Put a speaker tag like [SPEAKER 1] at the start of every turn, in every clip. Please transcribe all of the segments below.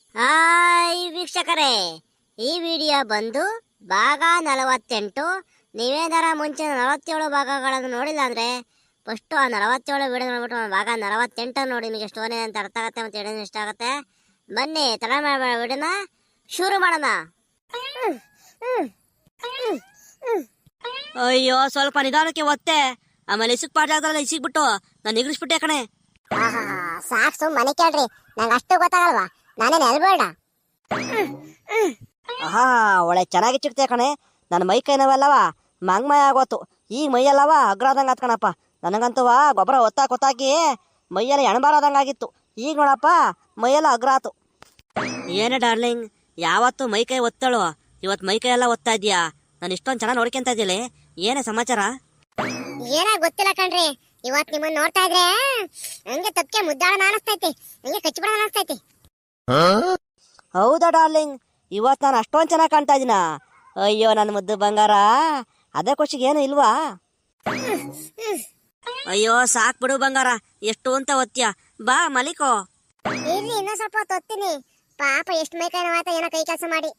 [SPEAKER 1] Hi ವೀಕ್ಷಕರೇ, ಈ video ಬಂದು ಭಾಗ 48. ನೀವೇನಾರ ಮುಂಚೆ 47 ಭಾಗಗಳನ್ನು ನೋಡಿಲ್ಲ ಅಂದರೆ ಫಸ್ಟು ಆ 47 ವಿಡಿಯೋ ನೋಡ್ಬಿಟ್ಟು ಭಾಗ 48 ನೋಡಿ. ನಿಮಗೆ ಸ್ಟೋರಿ ಅಂತ ಅರ್ಥ ಆಗುತ್ತೆ ಮತ್ತು ವಿಡಿಯೋ ಇಷ್ಟ ಆಗುತ್ತೆ. ಬನ್ನಿ ತಡ ಮಾಡಬೇಡ, ವಿಡಿಯೋನ ಶುರು ಮಾಡೋಣ.
[SPEAKER 2] ಅಯ್ಯೋ, ಸ್ವಲ್ಪ ನಿಧಾನಕ್ಕೆ ಒತ್ತೆ. ಆಮೇಲೆ ಇಸಿಕ್ ಪಾಠ ಆಗ್ದಲ್ಲ, ಇಸಿಕ್ಬಿಟ್ಟು ನಾನು ನಿಗ್ರಿಸ್ಬಿಟ್ಟೆ ಕಣೆ.
[SPEAKER 1] ಸಾಕು, ಮನೆ ಕೇಳ್ರಿ, ನಂಗೆ ಅಷ್ಟು ಗೊತ್ತಾಗಲ್ವಾ, ನಾನೇನು ಎಲ್ಬೇಡ.
[SPEAKER 2] ಆಹಾ, ಒಳ್ಳೆ ಚೆನ್ನಾಗಿ ಚಿಕ್ತೆ ಕಣೆ. ನನ್ನ ಮೈ ಕೈನವಲ್ಲವ ಮಂಗ್ಮಯ ಆಗೋತು. ಈಗ ಮೈಯಲ್ಲವ ಅಗ್ರಾದಂಗೆ ಆತ್ಕಣಪ್ಪ. ನನಗಂತವ ಗೊಬ್ಬರ ಒತ್ತಾಕಿ ಮೈಯೆಲ್ಲ ಎಣಬಾರದಂಗಾಗಿತ್ತು. ಈಗ ನೋಡಪ್ಪ ಮೈಯೆಲ್ಲ ಅಗ್ರಾತು. ಏನೇ ಡಾರ್ಲಿಂಗ್, ಯಾವತ್ತು ಮೈ ಕೈ ಒತ್ತಳು, ಇವತ್ತು ಮೈ ಕೈ ಎಲ್ಲ ಒತ್ತಾ ಇದೀಯಾ? ನಾನು ಇಷ್ಟೊಂದು ಚೆನ್ನಾಗಿ ನೋಡ್ಕೊಂತ ಇದ್ದೀಲಿ, ಏನೇ ಸಮಾಚಾರ?
[SPEAKER 1] ಏನ ಗೊತ್ತಿಲ್ಲ ಕಣ್ರಿ, ಇವತ್ತು ನಿಮ್ಮನ್ನ ನೋಡ್ತಾ ಇದ್ರೆ ಹಂಗೆ ತಪ್ಪಿಗೆ ಮುದ್ದಾಡೋಣ ಅನಿಸ್ತೈತಿ, ಹಂಗೆ ಕಚ್ಚಿಬಿಡೋಣ ಅನಿಸ್ತೈತಿ.
[SPEAKER 2] ಹೌದಾ ಡಾರ್ಲಿಂಗ್, ಇವತ್ತು ನಾನು ಅಷ್ಟೊಂದು ಚೆನ್ನಾಗಿ ಕಾಣ್ತಾ ಇದ್ದೀನ? ಅಯ್ಯೋ ನನ್ನ ಮುದ್ದು ಬಂಗಾರ, ಅದೇ ಖುಷಿಗೆ ಏನು ಇಲ್ವಾ? ಅಯ್ಯೋ ಸಾಕ್ ಬಿಡು ಬಂಗಾರ, ಎಷ್ಟು ಅಂತ ಒತ್ತೀಯ. ಬಾ ಮಲಿಕೋ.
[SPEAKER 1] ಇಲ್ಲಿ ಇನ್ನೂ ಸ್ವಲ್ಪ ಹೊತ್ತು ಒತ್ತೀನಿ. ಪಾಪ ಎಷ್ಟು ಮೈಕೈ ನೋವಾಯ್ತಾ ಏನೋ ಕೈ ಕೆಲಸ ಮಾಡಿ.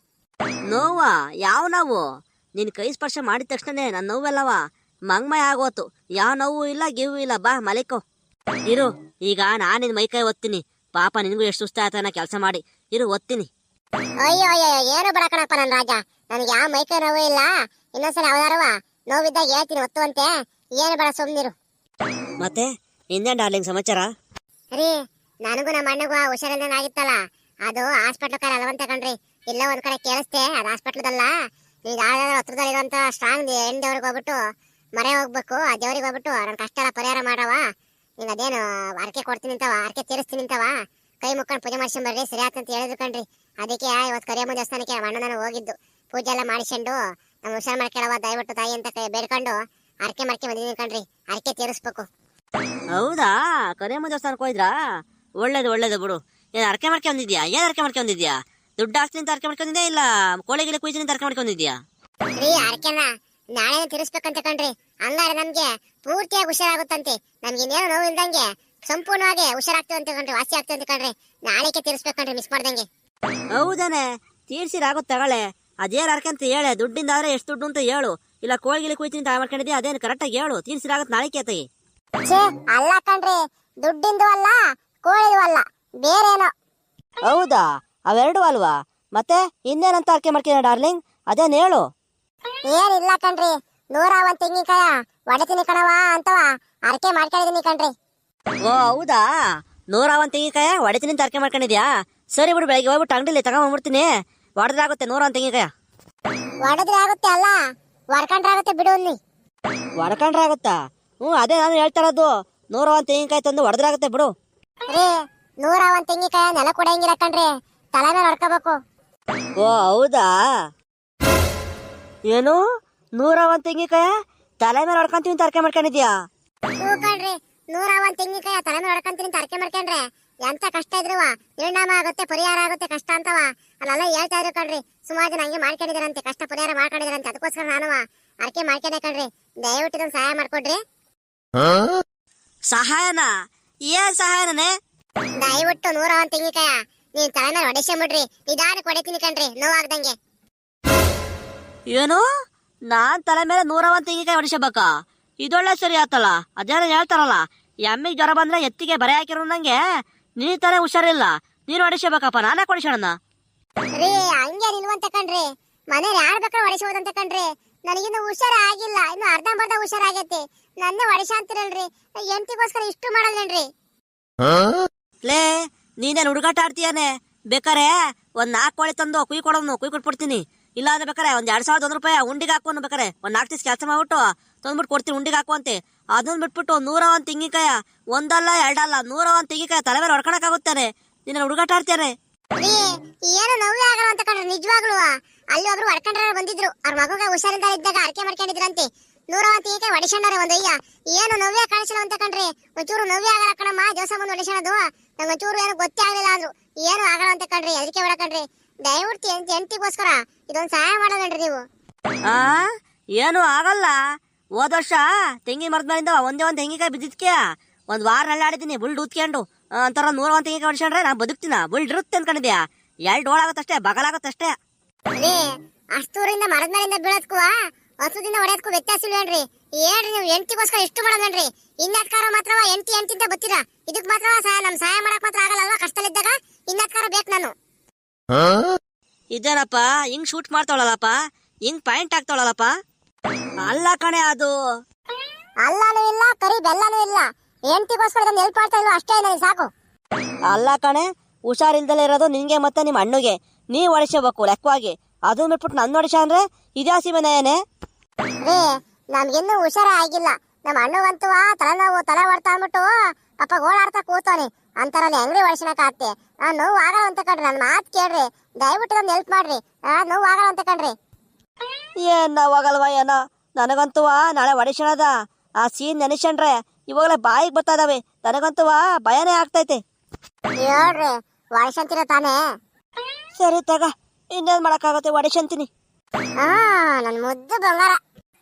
[SPEAKER 2] ನೋವಾ? ಯಾವ ನೋವು? ನಿನ್ ಕೈ ಸ್ಪರ್ಶ ಮಾಡಿದ ತಕ್ಷಣನೇ ನನ್ನ ನೋವೆಲ್ಲವ ಮಂಗ್ಮಯ ಆಗೋತು. ಯಾವ ನೋವು ಇಲ್ಲ, ಗಿವು ಇಲ್ಲ. ಬಾ ಮಲಿಕೋ. ಇರು, ಈಗ ನಾನು ನಿನ್ ಮೈಕೈ ಒತ್ತೀನಿ. ಪಾಪ ನಿನಗೂ ಎಷ್ಟು ಸುಸ್ತ ಆಯ್ತಾನ ಕೆಲಸ ಮಾಡಿ. ಇರು, ಒತ್ತೀನಿ.
[SPEAKER 1] ಅಯ್ಯೋ ಅಯ್ಯೋ, ಏನು ಬಿಡ ಕಣಪ್ಪ ನನ್ನ ರಾಜ, ನನಗೆ ಯಾವ ಮೈಕೈ ನೋವು ಇಲ್ಲ. ಇನ್ನೊಂದ್ಸಲ ಯಾವ್ದಾರವ ನೋವಿದ್ದಾಗ ಹೇಳ್ತೀನಿ ಒತ್ತುವಂತೆ, ಏನು ಬೇಡ ಸುಮ್ನಿರು.
[SPEAKER 2] ಮತ್ತೆ ಇನ್ನೇನ್ ಡಾರ್ಲಿಂಗ್ ಸಮಾಚಾರ?
[SPEAKER 1] ರೀ, ನನಗೂ ನಮ್ಮ ಅಣ್ಣಗೂ ಹುಷಾರಿಲ್ದಂಗೆ ಆಗಿತ್ತಲ್ಲ, ಅದು ಹಾಸ್ಪಿಟ್ಲ್ ಕಾಲ ಅಲ್ವಂತ ಕಣ್ರಿ. ಇಲ್ಲ ಒಂದ್ ಕಡೆ ಕೇಳಿಸ್ತೆ, ಅದು ಹಾಸ್ಪಿಟ್ಲದಲ್ಲ. ನೀವು ಯಾವ್ದಾದ್ರು ಹತ್ರದಲ್ಲಿರುವಂತ ಸ್ಟ್ರಾಂಗ್ ಹೆಣ್ಣು ದೇವ್ರಿಗೆ ಹೋಗ್ಬಿಟ್ಟು ಮರೆ ಹೋಗ್ಬೇಕು. ಆ ದೇವ್ರಿಗೆ ಹೋಗ್ಬಿಟ್ಟು ನನ್ನ ಕಷ್ಟ ಎಲ್ಲ ಪರಿಹಾರ ಮಾಡವ. ನೀನು ಅದೇನು ಅರ್ಕೆ ಕೊಡ್ತೀನಿ ಅಂತವ, ಅರ್ಕೆ ತೀರಿಸ್ತೀನಿ ಅಂತವ, ಕೈ ಮುಕ್ಕೊಂಡು ಪೂಜೆ ಮಾಡ್ಸ್ಕೊಂಬರ್ರಿ, ಸರಿ ಆತಂತ ಹೇಳಿದ್ರು ಕಣ್ರಿ. ಅದಕ್ಕೆ ಇವತ್ತು ಕರಿಯಮ್ಮ ದೇವಸ್ಥಾನಕ್ಕೆ ಅಣ್ಣ ನಾನು ಹೋಗಿದ್ದು. ಪೂಜೆ ಎಲ್ಲ ಮಾಡಿಸ್ಕೊಂಡು ನಮ್ಮ ಹುಷಾರು ಮಾಡ್ಕೊಳ್ಳವ ದಯವಿಟ್ಟು ತಾಯಿ ಅಂತ ಬೇಡ್ಕೊಂಡು ಅರ್ಕೆ ಬಂದಿದ್ದೀನಿ ಕಣ್ರಿ. ಅರ್ಕೆ ತೀರಿಸ್ಬೇಕು.
[SPEAKER 2] ಹೌದಾ? ಕರಿಯಮ್ಮ ದೇವಸ್ಥಾನಕ್ಕೆ ಹೋಯ್ದ್ರಾ? ಒಳ್ಳೇದು ಬಿಡು. ಏನ್ ಅರ್ಕೆ ಮಾಡ್ಕೊಂಡಿದ್ಯಾ? ಏನ್ ಅರ್ಕೆ ಮಾಡ್ಕೊಂಡಿದ್ಯಾ? ದುಡ್ಡು ಹಾಕ್ತೀನಿ ಅಂತ ಅರ್ಕೆ ಮಾಡ್ಕೊಂಡಿದ್ಯಾ, ಇಲ್ಲ ಕೋಳಿ ಗಿಳಿ ಕುಯ್ತೀನಿ ಅಂತ ಅರ್ಕೆ ಮಾಡ್ಕೊಂಡಿದ್ಯಾ?
[SPEAKER 1] ರೀ, ಅರ್ಕೆನ ನಾಳೆ ತೀರಿಸ್ಬೇಕಂತ ಕಣ್ರಿ. ಹಂಗಾರೆ ನಮ್ಗೆ ಪೂರ್ತಿಯಾಗಿ ಹುಷಾರಾಗುತ್ತಂತೆ. ನಮ್ಗೆ ಇನ್ನೇನು ನೋವು ಇಲ್ದಂಗೆ ಸಂಪೂರ್ಣವಾಗಿ ಹುಷಾರಾಗ್ತೀವಂತ ಕಣ್ರಿ, ವಾಸಿ ಆಗ್ತೀವಂತ ಕಣ್ರಿ. ನಾಳೆಗೆ ತೀರಿಸ್ಬೇಕಂಡ್ರಿ, ಮಿಸ್ ಮಾಡ್ದಂಗೆ.
[SPEAKER 2] ಹೌದಾನೆ, ತೀರ್ಸಿರಾಗುತ್ತೆ ತಗೊಳ್ಳೆ. ಅದೇನು ಅರ್ಕೆ ಅಂತ ಹೇಳೆ. ದುಡ್ಡಿಂದ ಆದ್ರೆ ಎಷ್ಟು ದುಡ್ಡು ಅಂತ ಹೇಳು, ಇಲ್ಲ ಕೋಳಿ ಗಿಳಿ ಕುಯ್ತೀನಿ ಅಂತ ಮಾಡ್ಕೊಂಡಿದ್ಯಾ, ಅದೇನು ಕರೆಕ್ಟಾಗಿ ಹೇಳು. ತೀರ್ಸಿರಾಗುತ್ತೆ ನಾಳೆ ಕೇತೈ.
[SPEAKER 1] ಅಲ್ಲ ಕಣ್ರಿ, ದುಡ್ಡಿಂದು ಅಲ್ಲ, ಕೋಳಿದು ಅಲ್ಲ, ಬೇರೇನೋ.
[SPEAKER 2] ಹೌದಾ? ಅವೆರಡು ಅಲ್ವಾ? ಮತ್ತೆ ಇನ್ನೇನಂತ ಅರ್ಕೆ ಮಾಡ್ತೀನಿ ಡಾರ್ಲಿಂಗ್, ಅದೇನು ಹೇಳು.
[SPEAKER 1] ಏನಿಲ್ಲ ಕಣ್ರಿ, 101 ತೆಂಗಿನಕಾಯ ಒಡೆತೀನಿ ಕಣವ ಅಂತವ ಅರ್ಕೆ ಮಾಡ್ಕೊಂಡಿದೀನಿ ಕಣ್ರಿ.
[SPEAKER 2] ಓ ಹೌದಾ? 101 ತೆಂಗಿನಕಾಯ ಒಡೆತೀನಿ ಅಂತ ಅರ್ಕೆ ಮಾಡ್ಕೊಂಡಿದ್ಯಾ? ಸರಿ ಬಿಡು, ಬೆಳಗ್ಗೆ ಹೋಗ್ಬಿಟ್ಟು ಅಂಗಡಿಲಿ ತಗೊಂಡ್ಬಿಡ್ತೀನಿ. ಒಡೆದ್ರಾಗುತ್ತೆ 101 ತೆಂಗಿನಕಾಯ.
[SPEAKER 1] ಒಡೆದ್ರೆ ಆಗುತ್ತೆ ಅಲ್ಲ, ಹೊಡ್ಕೊಂಡ್ರೆ ಆಗುತ್ತೆ ಬಿಡು. ಅಲ್ಲಿ
[SPEAKER 2] ಒಡ್ಕೊಂಡ್ರೆ ಆಗುತ್ತಾ? ಅದೇ ನಾನು ಹೇಳ್ತಾ ಇರೋದು. 101 ತೆಂಗಿನಕಾಯಿ ತಂದು ಒಡೆದ್ರಾಗುತ್ತೆ ಬಿಡು.
[SPEAKER 1] ರೀ, 101 ತೆಂಗಿನಕಾಯ ನೆಲ ಕೊಡಂಗಿಲ್ಲ ಕಣ್ರಿ, ತಲೆ ಮೇಲೆ ಹೊಡ್ಕೋಬೇಕು.
[SPEAKER 2] ಓ ಹೌದಾ? ಏನು 101 ತೆಂಗಿನಕಾಯ ತಲೆ ಮೇಲೆ ಹೊಡ್ಕೊಂತೀವಿ ಅಂತ ಅರ್ಕೆ ಮಾಡ್ಕೊಂಡಿದ್ಯಾ?
[SPEAKER 1] ಹ್ಞೂ ಕಣ್ರಿ, 101 ತೆಂಗಿನಕಾಯ ತಲೆ ಮೇಲೆ ಹೊಡ್ಕೊಂತೀನಿ ಅಂತ ಅರ್ಕೆ ಮಾಡ್ಕೊಂಡ್ರೆ ಎಂತ ಕಷ್ಟ ಇದ್ರುವ ನಿರ್ಣಾಮ ಆಗುತ್ತೆ, ಪರಿಹಾರ ಆಗುತ್ತೆ ಕಷ್ಟ ಅಂತವ ಅಲ್ಲೆಲ್ಲ ಹೇಳ್ತಾ ಇದ್ರು ಕಣ್ರಿ. ಸುಮಾರು ಜನ ಹಂಗೆ ಮಾಡ್ಕೊಂಡಿದಾರಂತೆ, ಕಷ್ಟ ಪರಿಹಾರ ಮಾಡ್ಕೊಂಡಿದಾರಂತೆ. ಅದಕ್ಕೋಸ್ಕರ ನಾನು ಅರ್ಕೆ ಮಾಡ್ಕೊಂಡೆ ಕಣ್ರಿ. ದಯವಿಟ್ಟು ಇದೊಂದು ಸಹಾಯ ಮಾಡ್ಕೊಡ್ರಿ.
[SPEAKER 2] ಸಹಾಯನಾ? ಏನ್ ಸಹಾಯನೇ?
[SPEAKER 1] ದಯವಿಟ್ಟು 101 ತೆಂಗಿನಕಾಯ ನೀನ್ ತಲೆ ಮೇಲೆ ಹೊಡೆಸ್ಕೊಂಬಿಡ್ರಿ. ನಿಧಾನಕ್ಕೆ ಹೊಡಿತೀನಿ ಕಣ್ರಿ, ನೋವಾಗ್ದಂಗೆ.
[SPEAKER 2] ಏನು? ನಾನ್ ತಲೆ ಮೇಲೆ 101 ತೆಂಗಿನಕಾಯಿ ಹೊಡಿಸಬೇಕಾ? ಇದೊಳ್ಳೆ ಸರಿ ಆತಲ್ಲ. ಅದೇನೋ ಹೇಳ್ತಾರಲ್ಲ, ಎಮ್ಮಿಗೆ ಜ್ವರ ಬಂದ್ರೆ ಎತ್ತಿಗೆ ಬರೆ ಹಾಕಿರೋ ನಂಗೆ ನೀ ತರ ಹುಷಾರಿಲ್ಲ, ನೀನು ಹೊಡಿಸಬೇಕಪ್ಪ. ನಾನೇ ಹೊಡಿಸೋಣ?
[SPEAKER 1] ರೀ, ಹಂಗೆ ನಿಲ್ವಂತ ಕಣ್ರಿ, ಮನೇಲಿ ಯಾರು ಬೇಕಾದ್ರೆ ಹೊಡಿಸೋದಂತ ಕಣ್ರಿ. ನನಗಿನ್ನು ಹುಷಾರ ಆಗಿಲ್ಲ, ಇನ್ನು ಅರ್ಧಂಬರ್ಧ ಹುಷಾರಾಗೈತಿ. ನನ್ನೇ ಹೊಡಿಸ ಅಂತಿರಲ್ರಿ, ಎಂಟಿಗೋಸ್ಕರ ಇಷ್ಟು ಮಾಡಲ್ಲೇನ್ರಿ?
[SPEAKER 2] ಲೇ, ನೀನೇನು ಹುಡುಗಾಟ ಆಡ್ತೀಯಾನೆ? ಬೇಕಾರೆ ಒಂದ್ 4 ಕೋಳಿ ತಂದು ಕುಯ್ ಕೊಟ್ಬಿಡ್ತೀನಿ. ಇಲ್ಲ ಅಂದ್ರೆ ಬೇಕಾರೆ ಒಂದ್ 2,100 ರೂಪಾಯಿ ಉಂಡಿಗೆ ಹಾಕೋನು. ಬೇಕಾರೆ ಒಂದ್ 4 ದಿವಸ ಕೆಲಸ ಮಾಡ್ಬಿಟ್ಟು ತಂದ್ಬಿಟ್ಟು ಕೊಡ್ತೀನಿ ಉಂಡಿಗೆ ಹಾಕುವಂತೆ. ಅದನ್ನ ಬಿಟ್ಬಿಟ್ಟು 101 ತೆಂಗಿನಕಾಯ ಒಂದಲ್ಲ ಎರಡಲ್ಲ 101 ತೆಂಗಿನಕಾಯ ತಲೆ ಮೇಲೆ ಹೊಡ್ಕೊಳಕಾಗುತ್ತಾನೆ? ನೀನು ಹುಡುಗಾಟ ಆಡ್ತೀಯಾನೆ?
[SPEAKER 1] ರೀ, ಏನು ನೋವೇ ಆಗಲ್ಲ ಅಂತ ಕಣ್ರಿ, ನಿಜವಾಗ್ಲೂ. ಅಲ್ಲಿ ಒಬ್ರು ಹೊಡ್ಕೊಂಡ್ರ ಬಂದಿದ್ರು, ಅವ್ರ ಮಗುಗೆ ಹುಷಾರಿಂದ ಇದ್ದಾಗ ಅರ್ಕೆ ಮಾಡ್ಕೊಂಡಿದ್ರಂತೆ. 101 ತೆಂಗಿನಕಾಯಿ ಹೊಡಿಸ್ಕೊಂಡ್ರೆ ಒಂದಯ್ಯ, ಏನು ನೋವೇ ಕಾಣಿಸಿಲ್ಲ ಅಂತ ಕಣ್ರಿ. ಒಂಚೂರು ನೋವೇ ಆಗಲ್ಲ ಕಣಮ್ಮ, ದಿವಸ ಮುಂದೆ ಹೊಡಿಸೋದು. ನಂಗೆ ಒಂಚೂರು ಏನು ಗೊತ್ತೇ ಆಗಲಿಲ್ಲ ಅಂದ್ರು. ಏನು ಆಗಲ್ಲ ಅಂತ ಕಣ್ರಿ, ಅದಕ್ಕೆ ಹೊಡಕಣ್ರಿ. ದಯವಿಟ್ಟು ಎಂಟಿಗೋಸ್ಕರ ಇದೊಂದು ಸಹಾಯ ಮಾಡೋದನ್ರಿ ನೀವು.
[SPEAKER 2] ಏನು ಆಗಲ್ಲ. ಹೋದ ವರ್ಷ ತೆಂಗಿನ ಮರದ ಮೇಲಿಂದ ಒಂದೇ ಒಂದು ತೆಂಗಿನಕಾಯಿ ಬಿದ್ದಿದ್ಕೆ ಒಂದ್ ವಾರ ನಳ್ಳಾಡಿದೀನಿ ಬುಲ್ಡ್ ಊದ್ಕೊಂಡು. ಅಂತಾರ 101 ತೆಂಗಿನಕಾಯಿ ಹೊಡ್ಸ್ಕೊಂಡ್ರೆ ನಾ ಬದುಕ್ತೀನ? ಬುಲ್ಡ್ ಇರುತ್ತೆ ಅನ್ಕೊಂಡಿದ್ಯಾ? ಎರಡು ಡೋಳಾಗುತ್ತಷ್ಟೇ ಬಗಲಾಗುತ್ತಷ್ಟೇ.
[SPEAKER 1] ರೀ ಅಷ್ಟೂರಿಂದ ಮರದ ಮೇಲಿಂದ ಬೀಳೋದ್ಕು ಹಸುದಿಂದ ಹೊಡೆಯೋದಕ್ಕೂ ವ್ಯತ್ಯಾಸ ಇಲ್ವೇನ್ರಿ? ಏನ್ರಿ ನೀವು ಎಂಟಿಗೋಸ್ಕರ ಇಷ್ಟು ಮಾಡೋದನ್ರಿ? ಇನ್ನಾತ್ಕಾರ ಮಾತ್ರವ ಎಂಟಿಂತ ಬತ್ತೀರಾ? ಇದಕ್ ಮಾತ್ರವ ನಮ್ ಸಹಾಯ ಮಾಡಕ್ ಮಾತ್ರ ಆಗಲ್ಲ ಕಷ್ಟದಲ್ಲಿದ್ದಾಗ ಇನ್ನಾತ್ಕಾರ ಬೇಕು ನಾನು.
[SPEAKER 2] ಇದೇನಪ್ಪ ಹಿಂಗ್ ಶೂಟ್ ಮಾಡ್ತಾವಳಲ್ಲಪ್ಪ, ಹಿಂಗ್ ಪಾಯಿಂಟ್ ಆಗ್ತಾವಳಲ್ಲಪ್ಪ. ಅಲ್ಲ ಕಣೆ ಅದು.
[SPEAKER 1] ಅಲ್ಲಾನು ಇಲ್ಲ ಕರಿ ಬೆಲ್ಲನೂ ಇಲ್ಲ. ಎಂಟಿಗೋಸ್ಕರ ಇದನ್ನ ಹೆಲ್ಪ್ ಮಾಡ್ತಾ ಇಲ್ವ ಅಷ್ಟೇ ನನಗೆ ಸಾಕು.
[SPEAKER 2] ಅಲ್ಲ ಕಣೆ, ಹುಷಾರಿಲ್ದಲೇ ಇರೋದು ನಿನ್ಗೆ ಮತ್ತೆ ನಿಮ್ಮ ಅಣ್ಣಗೆ. ನೀವ್ ಹೊಡಿಸಬೇಕು ಲೆಕ್ಕವಾಗಿ. ಅದು ಬಿಟ್ಬಿಟ್ಟು ನನ್ನ ಹೊಡಿಸ ಅಂದ್ರೆ ಇದ್ಯಾಸಿ ಮನೆಯೇನೆ?
[SPEAKER 1] ರೀ ನಮ್ಗಿನ್ನೂ ಹುಷಾರೇ ಆಗಿಲ್ಲ. ನಮ್ಮ ಅಣ್ಣಗಂತೂ ತಲೆನೋವು ತಲೆ ಹೊಡ್ತಾ ಅಂದ್ಬಿಟ್ಟು ಪಾಪ ಗೋಳಾಡ್ತಾ ಕೂತವನಿ. ಅಂತಾರಲ್ಲಿ ಹೆಂಗ್ರಿ ಹೊಡಿಸನಕ ಆಗ್ತಿ? ನೋವು ಆಗಲ್ಲ ಅಂತ ಕಣ್ರಿ, ನನ್ನ ಮಾತು ಕೇಳ್ರಿ, ದಯವಿಟ್ಟು ನನ್ನ ಹೆಲ್ಪ್ ಮಾಡ್ರಿ. ನೋವು ಆಗಲ್ಲ ಅಂತ ಕಣ್ರಿ.
[SPEAKER 2] ಏನ್ ನಾವಾಗಲ್ವಾ ಏನೋ. ನನಗಂತೂ ನಾಳೆ ಹೊಡಿಸಣದ ಆ ಸೀನ್ ನೆನೆಸ್ಕೊಂಡ್ರೆ ಇವಾಗಲೇ ಬಾಯಿಗೆ ಬರ್ತಾ ಇದಾವೆ. ನನಗಂತೂ ಭಯನೇ ಆಗ್ತೈತೆ.
[SPEAKER 1] ಹೇಳ್ರಿ ಹೊಡಿಸಂತೀರ ತಾನೇ?
[SPEAKER 2] ಸರಿ ತಗ, ಇನ್ನೇನ್ ಮಾಡಕ್ಕಾಗತ್ತೆ, ಹೊಡಿಸಂತೀನಿ.
[SPEAKER 1] ನನ್ ಮುದ್ದು ಬಂಗಾರ.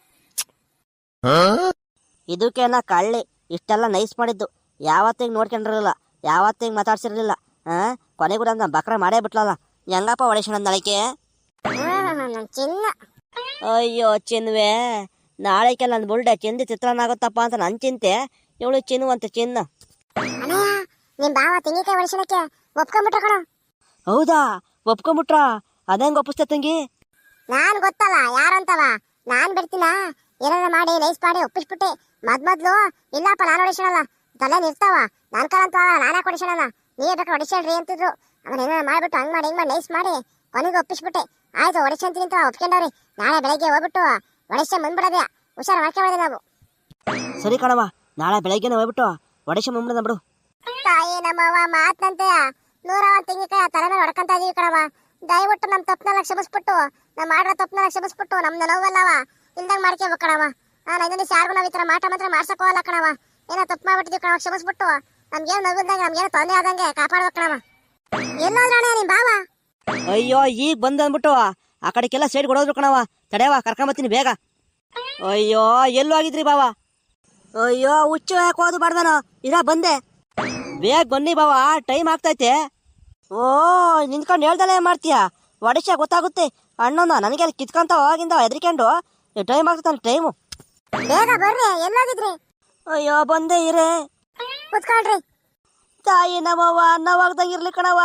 [SPEAKER 2] ಇದಕ್ಕೇನ ಕಳ್ಳಿ ಇಷ್ಟೆಲ್ಲ ನೈಸ್ ಮಾಡಿದ್ದು. ಯಾವತ್ತಿಗೆ ನೋಡ್ಕೊಂಡಿರಲಿಲ್ಲ, ಯಾವತ್ತಿಗೆ ಮಾತಾಡ್ಸಿರ್ಲಿಲ್ಲ. ಕೊನೆಗೂ ನನ್ನ ಬಕ್ರ ಮಾಡೇ ಬಿಟ್ಲಲ್ಲ. ಹೆಂಗಪ್ಪ ಹೊಡಿಸೋಣ ನಾಳೆಗೆ?
[SPEAKER 1] ನನ್ ಚಿನ್ನ.
[SPEAKER 2] ಅಯ್ಯೋ ಚಿನ್ವೇ, ನಾಳೆಗೆ ನನ್ನ ಬುಲ್ಡೆ ಚಿಂದಿ ಚಿತ್ರಾನ್ನ ಆಗುತ್ತಪ್ಪ ಅಂತ ನನ್ನ ಚಿಂತೆ. ಇವಳು ಚಿನ್ನು ಅಂತ ಚಿನ್ನ.
[SPEAKER 1] ಅಣ್ಣಯ್ಯ ನಿಮ್ ಬಾವ ತೆಂಗಿನಕಾಯಿ ಹೊಡಿಸೋಣಕ್ಕೆ ಒಪ್ಕೊಂಡ್ಬಿಟ್ರ ಕಣ.
[SPEAKER 2] ಹೌದಾ, ಒಪ್ಕೊಂಬಿಟ್ರ? ಅದಂಗ ಒಪ್ಪಿಸ್ತೆ ತಂಗಿ?
[SPEAKER 1] ನಾನ್ ಗೊತ್ತಲ್ಲ ಯಾರಂತವ. ನಾನ್ ಬಿಡ್ತೀನ ಏನಾರ ಮಾಡಿ ನೈಸ್ ಮಾಡಿ ಒಪ್ಪಿಸ್ಬಿಟ್ಟೆ. ಮೊದ್ಲು ಇಲ್ಲಪ್ಪ ನಾನು ಹೊಡಿಸೋಣಲ್ಲ, ತಲೆ ನಿರ್ತಾವ ನನ್ ಕಾಲಂತ ನಾನೇ ಹೊಡಿಸೋಣಲ್ಲ, ನೀವೇ ಬೇಕಾದ್ರೆ ಹೊಡಿಸೇಳ್ರಿ ಅಂತಿದ್ರು. ಅವನ್ ಏನಾರ ಮಾಡ್ಬಿಟ್ಟು ಹಂಗ್ ಮಾಡಿ ಹಿಂಗ್ ಮಾಡಿ ನೈಸ್ ಮಾಡಿ ಕೊನೆಗೆ ಒಪ್ಪಿಸ್ಬಿಟ್ಟೆ. ಆಯ್ತು ಹೊಡಿಸಂತೀನಿ ಅಂತ ಒಪ್ಕೊಂಡವ್ರಿ. ನಾಳೆ ಬೆಳಗ್ಗೆ ಹೋಗ್ಬಿಟ್ಟು ಹೊಡಿಸ ಬಂದ್ಬಿಡೋದೇ. ಹುಷಾರು ಮಾಡ್ಕೊಂಡ್ರೆ ನಾವು.
[SPEAKER 2] ಸರಿ ಕಣವ, ನಾಳೆ ಬೆಳಗ್ಗೆನೆ ಹೋಗ್ಬಿಟ್ಟು ಹೊಡಿಸ ಬಂದ್ಬಿಡ ಬಿಡು.
[SPEAKER 1] ತಾಯಿ ನಮ್ಮವ್ವ ಮಾತಂತೆ 101 ತೆಂಗಿನಕಾಯಿ ತಲೆ ಮೇಲೆ ಹೊಡ್ಕೊಂತ ಇದೀವಿ ಕಣವ. ದಯವಿಟ್ಟು ನಮ್ ತಪ್ಪನೆಲ್ಲ ಕ್ಷಮಿಸ್ಬಿಟ್ಟು, ನಾವ್ ಮಾಡೋ ತಪ್ಪನೆಲ್ಲ ಕ್ಷಮಿಸ್ಬಿಟ್ಟು ನಮ್ದು ನೋವಲ್ಲವ ಇಲ್ದಂಗ್ ಮಾಡ್ಕೋಬೇಕು ಕಣವ. ನಾನು ಇನ್ನೊಂದು ಯಾರಿಗೂ ನಾವ್ ಈ ತರ ಮಾತ್ರ ಮಾಡ್ಸಕ್ ಹೋಗಲ್ಲ ಕಣವ. ಏನೋ ತಪ್ಪು ಮಾಡ್ಬಿಟ್ಟಿದೀವಿ ಕಣವ, ಕ್ಷಮಿಸ್ಬಿಟ್ಟು ನಮ್ಗೇನು ನಗುದಂಗೆ ನಮ್ಗೇನು ತೊಂದರೆ ಆದಂಗೆ ಕಾಪಾಡ್ಬೇಕು ಕಣವ. ಎಲ್ಲೋದ್ರಣ ನಿಮ್ ಬಾವ?
[SPEAKER 2] ಅಯ್ಯೋ ಈಗ ಬಂದ್ಬಿಟ್ಟು ಆ ಕಡೆಗೆಲ್ಲ ಸೈಡ್ ಕೊಡೋದ್ರು ಕಣವ. ತಡೆಯವ, ಕರ್ಕೊಂಬತ್ತೀನಿ ಬೇಗ. ಅಯ್ಯೋ ಎಲ್ಲೂ ಆಗಿದ್ರಿ ಬಾವ? ಅಯ್ಯೋ ಹುಚ್ಚು ಯಾಕೆ ಹೋದು ಬಾಡ್ದಾನ? ಬಂದೆ, ಬೇಗ ಬನ್ನಿ ಬಾವ, ಟೈಮ್ ಆಗ್ತೈತೆ. ಓ ನಿಂತ್ಕೊಂಡು ಹೇಳ್ದಲ್ಲ ಮಾಡ್ತೀಯ? ಒಡಿಶ ಗೊತ್ತಾಗುತ್ತೆ ಅಣ್ಣನ. ನನಗೆ ಅಲ್ಲಿ ಕಿತ್ಕೊಂತ ಹೋಗಿಂದ ಹೆದರ್ಕೊಂಡು ಟೈಮ್ ಆಗ್ತಾನೆ ಟೈಮು.
[SPEAKER 1] ಬೇಗ ಬರ್ರಿ, ಎಲ್ಲೋಗಿದ್ರಿ?
[SPEAKER 2] ಅಯ್ಯೋ ಬಂದೆ ಇರೇ.
[SPEAKER 1] ಕುತ್ಕೊಳ್ರಿ.
[SPEAKER 2] ತಾಯಿ ನಮ್ಮವ್ವ ಅನ್ನವಾಗ್ದಂಗಿರ್ಲಿ ಕಣವ.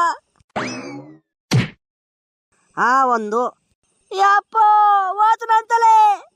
[SPEAKER 2] ಒಂದು ಯಪ್ಪ ಹೋತು ನಂತಲೇ.